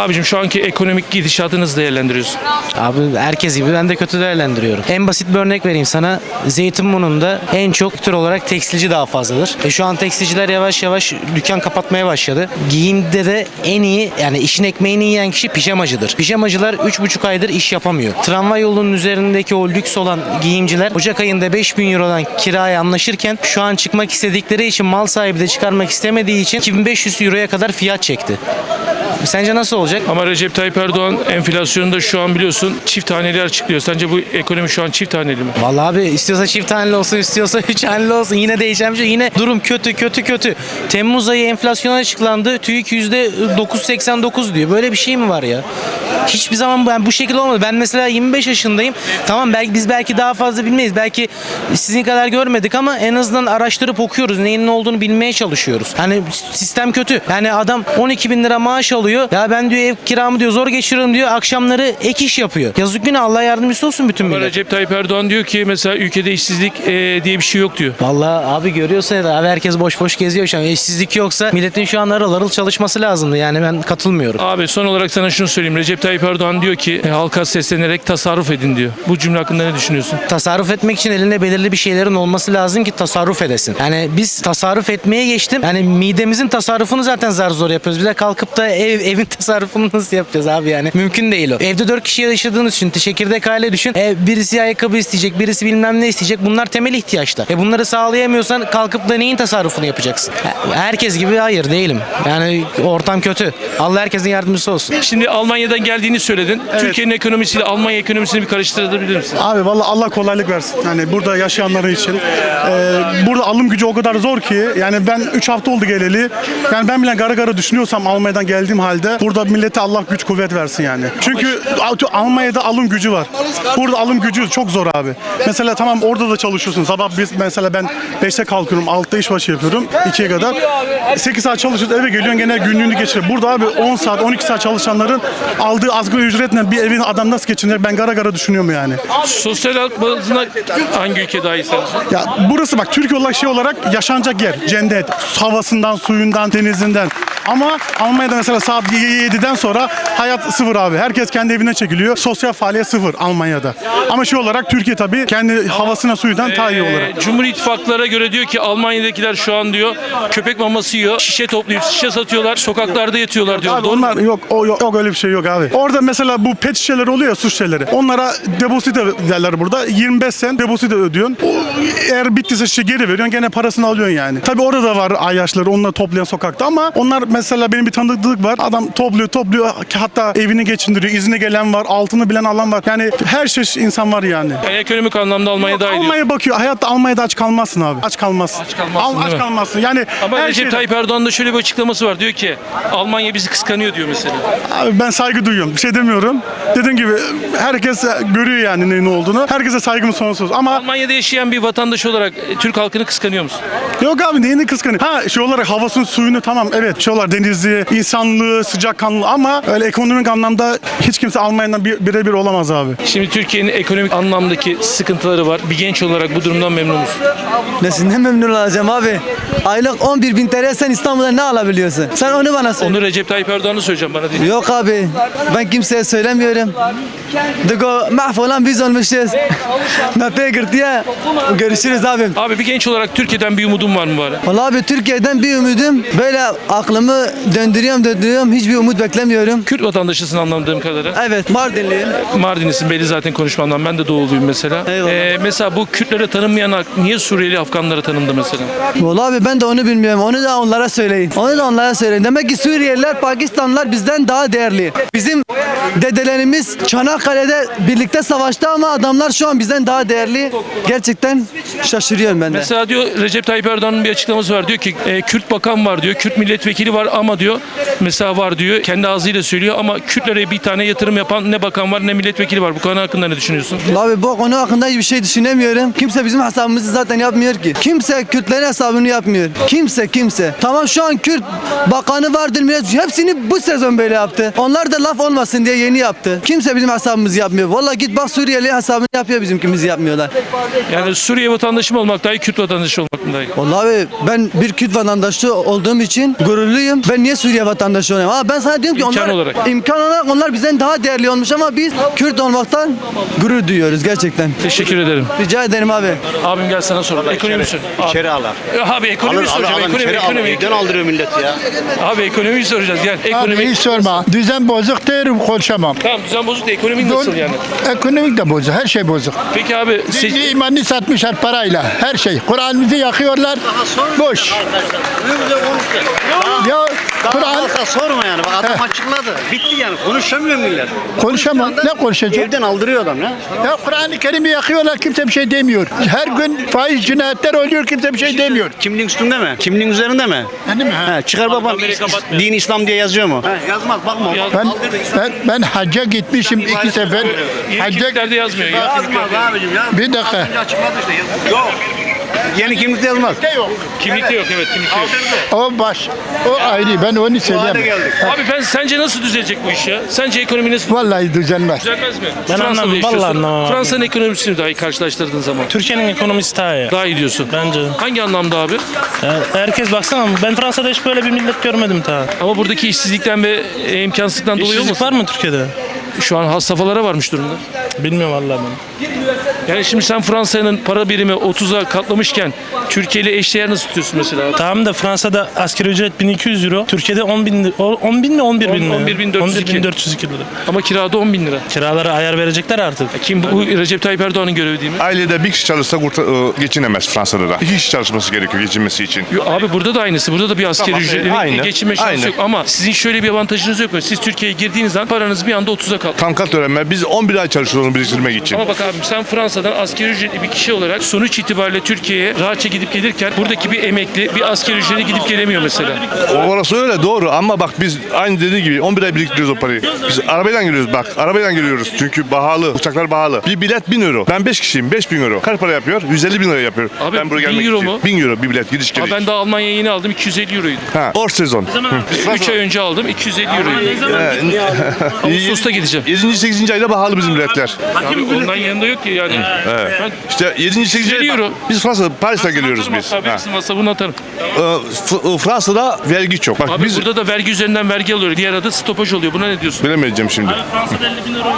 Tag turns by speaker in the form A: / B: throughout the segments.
A: Abicim şu anki ekonomik gidişatı nasıl değerlendiriyorsun?
B: Abi herkes gibi ben de kötü değerlendiriyorum. En basit bir örnek vereyim sana. Zeytinburnu'nda en çok tür olarak tekstilci daha fazladır. Şu an tekstilciler yavaş yavaş dükkan kapatmaya başladı. Giyimde de en iyi yani işin ekmeğini yiyen kişi pijamacıdır. Pijamacılar 3,5 aydır iş yapamıyor. Tramvay yolunun üzerindeki o lüks olan giyimciler Ocak ayında 5.000 Euro'dan kiraya anlaşırken şu an çıkmak istedikleri için mal sahibi de çıkarmak istemediği için 2500 Euro'ya kadar fiyat çekti. Sence nasıl olacak?
A: Ama Recep Tayyip Erdoğan enflasyonunda şu an biliyorsun çift haneli açıklıyor. Sence bu ekonomi şu an çift haneli mi?
B: Vallahi abi istiyorsa çift haneli olsun, istiyorsa 3 haneli olsun. Yine değişen bir şey. Yine durum kötü. Temmuz ayı enflasyon açıklandı. TÜİK %9,89 diyor. Böyle bir şey mi var ya? Hiçbir zaman bu şekilde olmadı. Ben mesela 25 yaşındayım. Tamam biz belki daha fazla bilmeyiz. Belki sizin kadar görmedik ama en azından araştırıp okuyoruz. Neyin ne olduğunu bilmeye çalışıyoruz. Hani sistem kötü. Yani adam 12.000 lira maaş alıyor. Ya ben diyor ev kiramı diyor zor geçiriyorum diyor. Akşamları ek iş yapıyor. Yazık günah, Allah yardımcısı olsun bütün
A: Ama
B: millet.
A: Recep Tayyip Erdoğan diyor ki mesela ülkede işsizlik diye bir şey yok diyor.
B: Vallahi abi görüyorsun ya abi herkes boş geziyor şu an. İşsizlik yoksa milletin şu an harıl çalışması lazımdı. Yani ben katılmıyorum.
A: Abi son olarak sana şunu söyleyeyim. Recep Tayyip Erdoğan diyor ki halka seslenerek tasarruf edin diyor. Bu cümle hakkında ne düşünüyorsun?
B: Tasarruf etmek için elinde belirli bir şeylerin olması lazım ki tasarruf edesin. Yani biz tasarruf etmeye geçtim. Yani midemizin tasarrufunu zaten zar zor yapıyoruz. Bir de kalkıp da evin tasarrufunu nasıl yapacağız abi yani? Mümkün değil o. Evde 4 kişi yaşadığınız için çekirdek aile düşün. Birisi ayakkabı isteyecek, birisi bilmem ne isteyecek. Bunlar temel ihtiyaçlar. Bunları sağlayamıyorsan kalkıp da neyin tasarrufunu yapacaksın? Herkes gibi hayır değilim. Yani ortam kötü. Allah herkesin yardımcısı olsun.
A: Şimdi Almanya'dan geldiğini söyledin. Türkiye'nin ekonomisiyle Almanya ekonomisini bir karıştırabilir misin?
C: Abi vallahi Allah kolaylık versin. Yani burada yaşayanların için. Burada alım gücü o kadar zor ki. Yani ben 3 hafta oldu geleli. Yani ben bile gara düşünüyorsam Almanya'dan geldiğim halde burada millete Allah güç kuvvet versin yani. Çünkü Almanya'da alım gücü var. Burada alım gücü çok zor abi. Mesela tamam orada da çalışıyorsun. Sabah mesela ben 5'te kalkıyorum. 6'da işbaşı yapıyorum. 2'ye kadar. 8 saat çalışıyorsun eve geliyorsun gene günlüğünü geçiriyor. Burada abi 10 saat 12 saat çalışanların aldığı asgari ücretle bir evin adam nasıl geçinecek ben gara düşünüyorum yani.
A: Sosyal hayat bazında hangi ülke daha iyi sence?
C: Ya burası bak Türkiye olarak yaşanacak yer. Cennet. Havasından, suyundan, denizinden. Ama Almanya'da mesela saat 7'den sonra hayat sıfır abi. Herkes kendi evine çekiliyor. Sosyal faaliyet sıfır Almanya'da. Ama olarak Türkiye tabii kendi havasına suyundan daha iyi olarak.
A: Cumhur İttifaklara göre diyor ki Almanya'dakiler şu an diyor köpek maması yiyor, şişe toplayıp şişe satıyorlar, sokaklarda yatıyorlar diyor.
C: Abi onlar yok öyle bir şey yok abi. Orada mesela bu pet şişeleri oluyor ya su şişeleri. Onlara depozito derler burada. 25 sen depozito ödüyorsun. Eğer bittiyse şişe geri veriyorsun gene parasını alıyorsun yani. Tabii orada da var ayyaşları onları toplayan sokakta ama onlar mesela benim bir tanıdık var. Adam topluyor hatta evini geçindiriyor. İzine gelen var, altını bilen alan var. Yani her şey insan var yani.
A: Yani ekonomik anlamda Almanya daha iyi diyor.
C: Almanya bakıyor. Hayatta Almanya'da aç kalmazsın abi. Aç kalmazsın.
A: Aç kalmazsın, değil mi?
C: kalmazsın. Yani
A: Ama
C: her
A: Recep
C: şeyde-
A: Tayyip Erdoğan'ın da şöyle bir açıklaması var. Diyor ki Almanya bizi kıskanıyor diyor mesela.
C: Abi ben saygı duyuyorum. Bir şey demiyorum. Dediğim gibi herkes görüyor yani ne olduğunu. Herkese saygım sonsuz. Ama
A: Almanya'da yaşayan bir vatandaş olarak Türk halkını kıskanıyor musun?
C: yok abi neyini kıskanıyor? Olarak havasını suyunu tamam evet denizi, insanlığı, sıcakkanlı ama öyle ekonomik anlamda hiç kimse Almanya'dan birebir olamaz abi.
A: Şimdi Türkiye'nin ekonomik anlamdaki sıkıntıları var. Bir genç olarak bu durumdan memnun musun?
D: Nesinden memnun olacağım abi? Aylık 11.000 TL sen İstanbul'da ne alabiliyorsun? Sen onu bana söyle.
A: Onu Recep Tayyip Erdoğan'a söyleyeceğim bana değil.
D: Yok abi. Ben kimseye söylemiyorum. Dıgo mahvolan biz olmuşuz. Napeye gırtıya. Görüşürüz abim.
A: Abi bir genç olarak Türkiye'den bir umudun var mı bari?
D: Vallahi abi Türkiye'den bir umudum. Böyle aklımı döndürüyorum. Hiçbir umut beklemiyorum.
A: Kürt vatandaşısın anladığım kadarıyla.
D: Evet Mardinliyim.
A: Mardinlisin belli zaten konuşmandan. Ben de doğuluyum mesela.
D: Eyvallah.
A: Mesela bu Kürtlere tanınmayan halk niye Suriyeli Afganlara tanındı mesela?
D: Vallahi abi ben de onu bilmiyorum. Onu da onlara söyleyin. Demek ki Suriyeliler, Pakistanlılar bizden daha değerli. Bizim dedelerimiz Çanakkale'de birlikte savaştı ama adamlar şu an bizden daha değerli. Gerçekten şaşırıyorum ben de.
A: Mesela diyor Recep Tayyip Erdoğan'ın bir açıklaması var. Diyor ki Kürt bakan var diyor. Kürt milletvekili var ama diyor mesela var diyor. Kendi ağzıyla söylüyor ama Kürtlere bir tane yatırım yapan ne bakan var ne milletvekili var. Bu konu hakkında ne düşünüyorsun?
D: Abi bu konu hakkında hiçbir şey düşünemiyorum. Kimse bizim hesabımızı zaten yapmıyor ki. Kimse Kürtlerin hesabını yapmıyor. Kimse. Tamam şu an Kürt bakanı vardır millet. Hepsini bu sezon böyle yaptı. Onlar da laf olmasın diye yeni yaptı. Kimse bizim hesabımızı yapmıyor. Vallahi git bak Suriyeli hesabını yapıyor bizimkimizi yapmıyorlar.
A: Yani Suriye vatandaşı mı olmak daha iyi, Kürt vatandaşı olmak mı daha iyi?
D: Vallahi abi ben bir Kürt vatandaşı olduğum için gururluyum. Suriyeliyim. Ben niye Suriye vatandaşı olayım? Ha, ben sana diyorum ki
A: İmkan
D: onlar
A: olarak.
D: imkan olarak onlar bizden daha değerli olmuş ama biz Kürt olmaktan gurur duyuyoruz gerçekten.
A: Teşekkür ederim.
D: Rica ederim abi.
A: Abim gel sana soralım. Ekonomi sor.
E: İçeri alar.
A: Abi ekonomi soracağım. Ekonomi.
E: Evden aldırıyor millet ya.
A: Abi ekonomiyi soracağız. Gel.
F: Abi
A: Ekonomi.
F: hiç sorma. Düzen bozuk derim konuşamam.
A: Tamam düzen bozuk da ekonomi nasıl yani?
F: Ekonomik de bozuk. Her şey bozuk.
A: Peki abi
F: Dini imanını satmışlar parayla. Her şey. Kur'an'ımızı yakıyorlar. Boş. Ya Kur'an
E: Halka sorma yani. Bak adam açıkladı. Bitti yani. Konuşamıyor millet.
F: konuşamam. Ne konuşacak?
E: Evden aldırıyor adam ya.
F: Ya Kur'an-ı Kerim'i yakıyorlar. Kimse bir şey demiyor. Her gün faiz cinayetler oluyor. Kimse bir şey demiyor.
E: Kimliğin üstünde mi? Kimliğin üzerinde mi?
F: Değil mi? Ha?
E: He, çıkar babam.
A: kamerayı kapatmıyor.
E: Din İslam diye yazıyor mu? He, yazmaz bakma.
F: Ben hacca gitmişim 2 sefer.
A: yeni
F: Hacca
A: kimliklerde yazmıyor. Yeni
E: Yazmaz
A: kimliklerde.
E: abicim ya.
F: bir dakika.
E: Açıkladı işte. Yok. Yeni kimlikte yazmaz.
A: Kimlikte yok evet kimlikte yok.
F: O baş. O ayrı. Ben onu
E: Bu hale
F: söyleyemem.
E: geldik.
A: Abi ben sence nasıl düzelecek bu iş ya? Sence ekonomi nasıl
F: Vallahi düzelmez.
A: düzelmez mi?
G: Ben anlamam,
A: yaşıyorsun.
G: vallahi anlamam abi.
A: Fransa'nın ekonomisini dahi karşılaştırdığın zaman.
G: Türkiye'nin ekonomisi daha iyi.
A: Daha iyi diyorsun.
G: Bence.
A: Hangi anlamda abi?
G: Herkes baksana ben Fransa'da hiç böyle bir millet görmedim daha.
A: Ama buradaki işsizlikten ve imkansızlıktan dolayı
G: İşsizlik
A: olmasın?
G: var mı Türkiye'de?
A: Şu an has safhalara varmış durumda.
G: Bilmiyorum vallahi ben.
A: Yani şimdi sen Fransa'nın para birimi 30'a katlamışken Türkiye ile eşdeğer nasıl tutuyorsun mesela?
G: Tamam da Fransa'da asgari ücret 1200 euro. Türkiye'de 10 bin, 10 bin mi 11 bin mi?
A: 11.402.
G: 11.402 lira.
A: Ama kirada 10 bin lira.
G: Kiralara ayar verecekler artık.
A: Kim bu Recep Tayyip Erdoğan'ın görevi değil mi?
H: Ailede bir kişi çalışsa geçinemez Fransa'da da. İki kişi çalışması gerekiyor geçinmesi için.
A: Yo, abi burada da aynısı. Burada da bir asgari
H: Tamam,
A: ücretle
H: aynı,
A: geçinme şansı
H: aynı.
A: yok. Ama sizin şöyle bir avantajınız yok mu? Siz Türkiye'ye girdiğiniz an paranız bir anda 30'a kalktı.
H: Tankat öğrenme. Biz 11 ay çalışıyoruz onu biriktirmek için.
A: Ama bak abi sen Fransa'dan asgari ücretli bir kişi olarak sonuç itibariyle Türkiye'ye rahatça gidip gelirken buradaki bir emekli bir asgari ücretli gidip gelemiyor mesela.
H: Orası öyle doğru ama bak biz aynı dediği gibi 11 ay biriktiriyoruz o parayı. Biz arabayla geliyoruz bak. Arabayla geliyoruz çünkü pahalı. Uçaklar pahalı. Bir bilet 1000 euro. Ben 5 kişiyim. 5000 euro. Kaç para yapıyor? 150 bin lira yapıyor.
A: Abi,
H: ben buraya
A: 1000
H: gelmek
A: euro
H: için.
A: mu?
H: 1000 euro bir bilet gidiş
A: Ama
H: geliş.
A: ben de Almanya'ya yeni aldım 250 euroydu.
H: Ha, or sezon.
A: 3 ay önce aldım 250 euroydu. Ağustos'ta gideceğim.
H: 7. 8. ayda pahalı bizim biletler.
A: Abi ondan yanında yok ki yani. Ben
H: İşte 7. 8.
A: 150 euro.
H: Biz Fransa'da Paris'te geliyoruz biz.
A: Abi
H: Ha.
A: hepsini masrafını atarım.
H: Fransa'da vergi çok. Bak
A: Abi
H: biz
A: burada da vergi üzerinden vergi alıyor. Diğer adı stopaj oluyor. Buna ne diyorsun?
H: bilemeyeceğim şimdi.
G: Fransa'da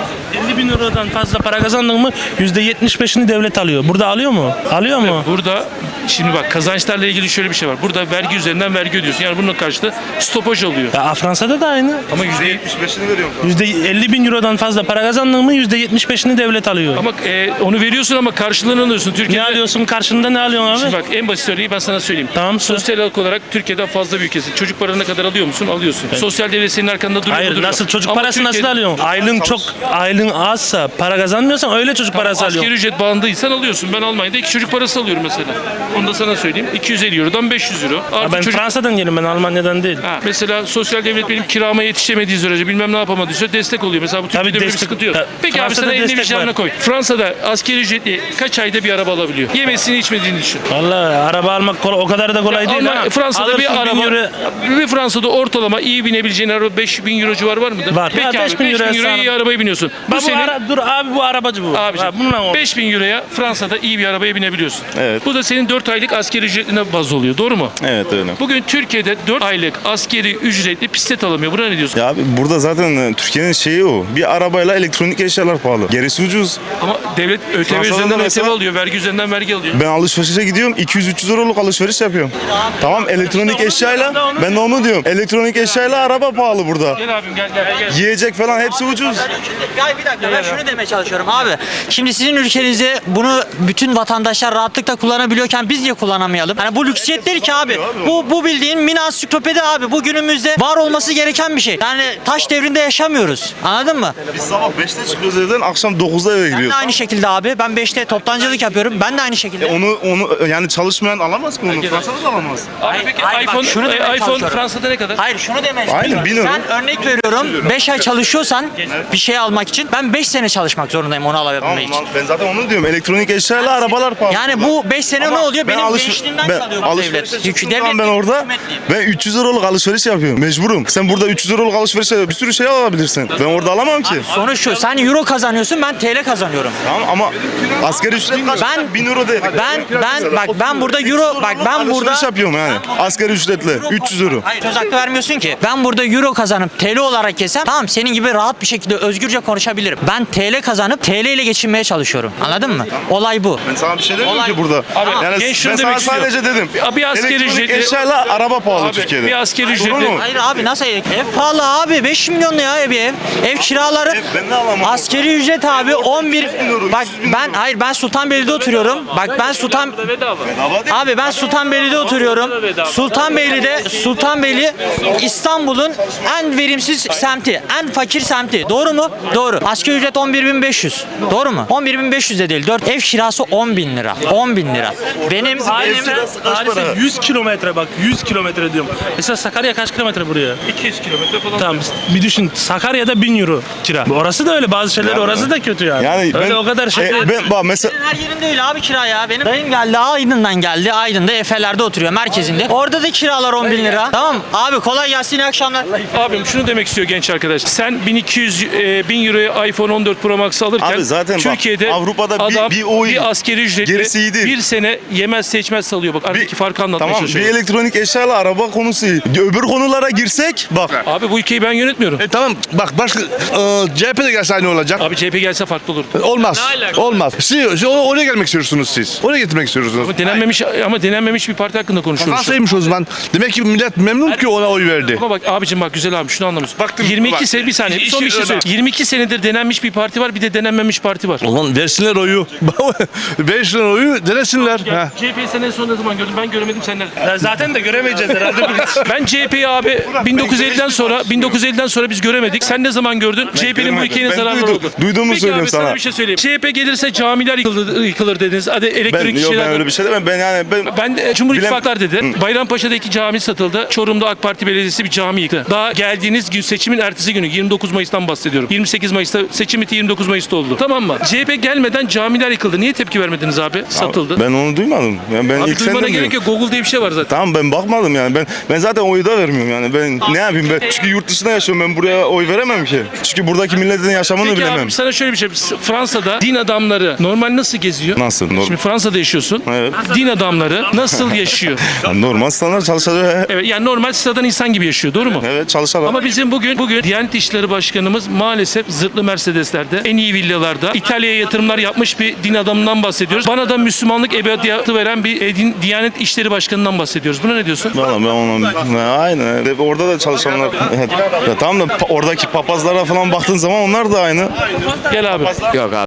G: 50 bin eurodan fazla para kazandın mı %75'ini devlet alıyor. Burada alıyor mu? Alıyor mu?
A: Burada şimdi bak kazançlarla ilgili şöyle bir şey var. Burada vergi üzerinden vergi ödüyorsun. Yani bunun karşılığı stopaj oluyor.
G: Ya Fransa'da da aynı.
A: Ama
H: %75'ini veriyorum.
G: %50 bin eurodan fazla para kazandın mı %75'ini devlet alıyor.
A: ama onu veriyorsun ama karşılığını alıyorsun.
G: Ne
A: Türkiye'de
G: alıyorsun karşında ne alıyorsun abi?
A: Şimdi bak en basit örneği ben sana söyleyeyim.
G: Tamam, söyle.
A: Sosyal hak olarak Türkiye'den fazla bir ülkesin. Çocuk paranı ne kadar alıyor musun? Alıyorsun. Sosyal devlet senin arkanda duruyor mu?
G: Hayır
A: Duruyor.
G: nasıl çocuk
A: Ama
G: parası nasıl
A: Türkiye'de
G: alıyorsun? Aylığın azsa para kazanmıyorsan öyle çocuk parası
A: Asgari
G: alıyorsun.
A: ücret bandıysan alıyorsun. Ben Almanya'da 2 çocuk parası alıyorum mesela. Onu da sana söyleyeyim. 250 Euro'dan 500 Euro.
G: Ya
A: Artı
G: ben
A: çocuk...
G: Fransa'dan geliyorum ben Almanya'dan değil.
A: Ha, mesela sosyal devlet benim kirama yetişemediği sürece bilmem ne yapamadıysa destek oluyor. Mesela bu Türkiye'de böyle bir
G: destek-
A: sıkıntı yok.
G: Ta-
A: Peki abi
G: Fransa'da
A: sana elini
G: destek
A: vicdanına
G: var.
A: koy. Fransa'da asgari ücretli kaç ayda bir araba alabiliyor? Yemesini içmediğini düşün.
G: Vallahi araba almak kolay, o kadar da kolay değil
A: Ama
G: ha.
A: Fransa'da
G: Alırsın
A: bir
G: 1000
A: araba,
G: euro-
A: bir Fransa'da ortalama iyi binebileceğin araba 5000 euro civarı var mıdır?
G: Var.
A: Peki
G: Ya
A: abi
G: 5000
A: 5000
G: euroya
A: euroya iyi
G: sağlam.
A: arabaya biniyorsun. Bu
G: Bak bu
A: senin
G: dur abi bu arabacı bu.
A: Abicim,
G: Ha, bununla oldu.
A: 5000 euroya Fransa'da iyi bir arabaya binebiliyorsun.
I: Evet.
A: Bu da senin 4 aylık askeri ücretine baz oluyor. Doğru mu?
I: Evet öyle.
A: Bugün Türkiye'de 4 aylık askeri ücretli bisiklet alamıyor. Buna ne diyorsun?
I: Ya abi burada zaten Türkiye'nin şeyi o. Bir arabayla elektronik eşyalar pahalı. Gerisi ucuz.
A: Ama devlet ÖTV
I: Fransa'da
A: üzerinden
I: da
A: ÖTV
I: mesela-
A: alıyor. Vergi üzerinden vergi alıyor.
I: Ben alışverişe gidiyorum 200-300 euroluk alışveriş yapıyorum. Tamam elektronik eşyayla ben de onu diyorum. Elektronik eşyayla araba pahalı burada.
A: Gel abim gel.
I: Yiyecek falan hepsi ucuz.
J: Ya bir dakika ben şunu demeye çalışıyorum abi. Şimdi sizin ülkenizde bunu bütün vatandaşlar rahatlıkla kullanabiliyorken biz niye kullanamayalım? Yani bu lüksiyet değil ki abi. Bu bildiğin mini ansiklopedi abi. Bu günümüzde var olması gereken bir şey. Yani taş devrinde yaşamıyoruz. Anladın mı?
I: Biz sabah 5'te çıkıyoruz evden akşam 9'da eve
J: Ben de
I: giriyoruz.
J: aynı şekilde abi. Ben 5'te toptancılık yapıyorum. Ben de aynı şekilde.
I: Onu yani çalışmayan alamaz ki onu. Fransa'da da alamaz.
A: Abi peki
J: hayır, bak,
A: iPhone,
J: şunu demeye
A: iPhone
J: çalışıyorum.
A: Fransa'da ne kadar?
J: Hayır şunu demeye
I: Aynen,
J: çalışıyorum.
I: 1000 euro.
J: Sen örnek veriyorum 5 ay çalışıyorsan bir şey almak için ben 5 sene çalışmak zorundayım onu alabilmek
I: Tamam,
J: için.
I: ben zaten onu diyorum. Elektronik eşyayla arabalar pahalı.
J: Yani bu 5 sene
I: Ama
J: ne oluyor?
I: ben
J: Benim gençliğimden çalıyor bu
I: alışverişe
J: devlet.
I: çıktığım
J: Devlet
I: zaman ben orada
J: hükümetliyim.
I: ben 300 euroluk alışveriş yapıyorum. Mecburum. Sen burada 300 euroluk alışverişe bir sürü şey alabilirsin. Ben orada alamam ki.
J: Sonuç şu, sen euro kazanıyorsun, ben TL kazanıyorum.
I: Tamam ama Ama asgari ücret kaç?
J: Ben-
I: 1000 euro değil.
J: Ben burada euro, bak ben burada
I: alışveriş yapıyorum yani. Asgari ücretle 300 euro.
J: Hayır, söz hakkı vermiyorsun ki. Ben burada euro kazanıp TL olarak yesem tamam, senin gibi rahat bir şekilde özgürce konuşabilirim. Ben TL kazanıp TL ile geçinmeye çalışıyorum. Anladın mı? Olay bu.
I: Ben sana bir şey demiyorum
J: Olay-
I: ki burada.
A: Abi,
I: yani
A: genç şunu
I: ben sana
A: demek istiyor.
I: sadece dedim.
A: Bir asgari
I: Elektronik
A: ücretli-
I: eşyayla araba pahalı
A: Abi,
I: Türkiye'de.
A: bir asgari
I: Doğru
A: ücretli-
I: mu?
J: Hayır abi, nasıl ev? Ev pahalı abi. 5 milyon ya ev ev. Ev kiraları.
I: ben de alamam.
J: Askeri ücret abi 11.
I: 300 bin euro,
J: Bak
I: 300 bin
J: ben,
I: euro.
J: hayır, ben Sultanbeyli'de oturuyorum. Bak ben
A: Bedava.
J: Abi ben Sultanbeyli'de oturuyorum. Sultanbeyli İstanbul'un en verimsiz semti, en fakir semti. Doğru mu? Doğru. Asgari ücret 11.500. Doğru mu? 11.500 de değil. 4 ev kirası 10.000 lira. 10.000 lira. Benim
G: Paris'e 100 kilometre, bak 100 kilometre diyorum. Mesela Sakarya kaç kilometre buraya?
A: 200 kilometre falan.
G: Tamam, bir düşün, Sakarya'da 1000 euro kira. Orası da öyle, bazı şeyler orası da kötü yani.
I: Yani
G: öyle
I: ben,
G: o kadar şey değil.
I: ben bak mesela
J: her yerinde öyle abi kira ya. Benim dayım geldi, Aydın'dan geldi. Aydın'da Efeler'de oturuyor, merkezinde. Orada da kiralar 10.000 lira. Tamam abi, kolay gelsin, iyi akşamlar.
A: Abim şunu demek istiyor genç arkadaş. Sen 1000 euroya iPhone 14 Pro Max alırken
I: Abi zaten bak,
A: Türkiye'de
I: Avrupa'da
A: adam
I: bir o iyi.
A: bir askeri ücretle
I: Gerisi iyi değil.
A: bir sene yemez seçmez salıyor. Bak aradaki farkı anlatmaya
I: tamam bir
A: çalışıyorum.
I: elektronik eşyayla araba konusu iyi. Öbür konulara girsek bak.
A: Abi bu ülkeyi ben yönetmiyorum.
H: Tamam bak başka CHP de gelse aynı olacak.
A: Abi CHP gelse farklı olur.
H: Olmaz.
A: Ne alaka?
H: Olmaz. Oraya gelmek istiyorsunuz siz. Oraya getirmek istiyorsunuz.
A: Ama denenmemiş bir parti hakkında konuşuyoruz.
H: Nasılymış o zaman? Demek ki millet memnun ki ona oy verdi.
A: Ama bak abicim, bak güzel abi, şunu anlamıyorsun.
H: Baktım,
A: 22
H: bak.
A: sene, bir saniye
H: İşi
A: son bir şey
H: öyle.
A: söyleyeyim. 22 senedir denenmiş bir parti var, bir de denenmemiş parti var.
H: O zaman versinler oyu. Versinler oyu, denesinler. Ha.
A: CHP'yi sen en son ne zaman gördün? Ben göremedim, sen nerede?
G: Ya zaten de göremeyeceğiz herhalde.
A: Ben CHP'yi abi 1950'den sonra biz göremedik. Sen ne zaman gördün? CHP'nin bu ülkeye
I: Ben
A: zararları
I: duydum.
A: oldu.
I: Duyduğumu
A: Peki
I: söylüyorum
A: abi, sana
I: sana.
A: bir şey söyleyeyim. CHP gelirse camiler yıkılır dediniz. Hadi
I: Ben,
A: elektrik
I: yok, ben
A: şeyler.
I: öyle bir şey demem.
A: Ben de Cumhur
I: Bilem-
A: İttifaklar dedi. Bayrampaşa'da 2 cami satıldı. Çorum'da AK Parti Belediyesi bir cami yıktı. Daha geldiğiniz gün, seçimin ertesi günü 29 Mayıs'tan bahsediyorum. 28 Mayıs'ta seçim bitti, 29 Mayıs'ta oldu. Tamam mı? CHP gelmeden camiler yıkıldı. Niye tepki vermediniz abi? Satıldı.
I: Ben onu duymadım. Yani ben
A: Abi
I: ilk
A: duymana
I: senden
A: gerek
I: duyuyorum.
A: yok. Google diye bir şey var zaten.
I: Tamam ben bakmadım yani. Ben zaten oyu da vermiyorum yani. Ben ne yapayım ben? Çünkü yurt dışında yaşıyorum. Ben buraya oy veremem ki. Çünkü buradaki milletin yaşamını
A: Peki
I: bilemem.
A: abi sana şöyle bir şey. Fransa'da din adamları normal nasıl geziyor?
I: Nasıl? Normal.
A: Şimdi Fransa'da yaşıyorsun.
I: Evet.
A: Din adamları nasıl yaşıyor?
I: Yani normal standart çalışacak.
A: Evet, yani normal sıradan insan gibi yaşıyor. Doğru mu?
I: Evet çalışalım.
A: Ama bizim bugün Diyanet İşleri Başkanımız maalesef zırhlı Mercedes'lerde, en iyi villalarda İtalya'ya yatırımlar yapmış bir din adamından bahsediyoruz. Bana da Müslümanlık ebediyatı veren bir Diyanet İşleri Başkanı'ndan bahsediyoruz. Buna ne diyorsun?
I: Vallahi ben ona aynen. Orada da çalışanlar. Evet. Ya tamam da oradaki papazlara falan baktığın zaman onlar da aynı.
A: Gel abi.
B: Yok abi.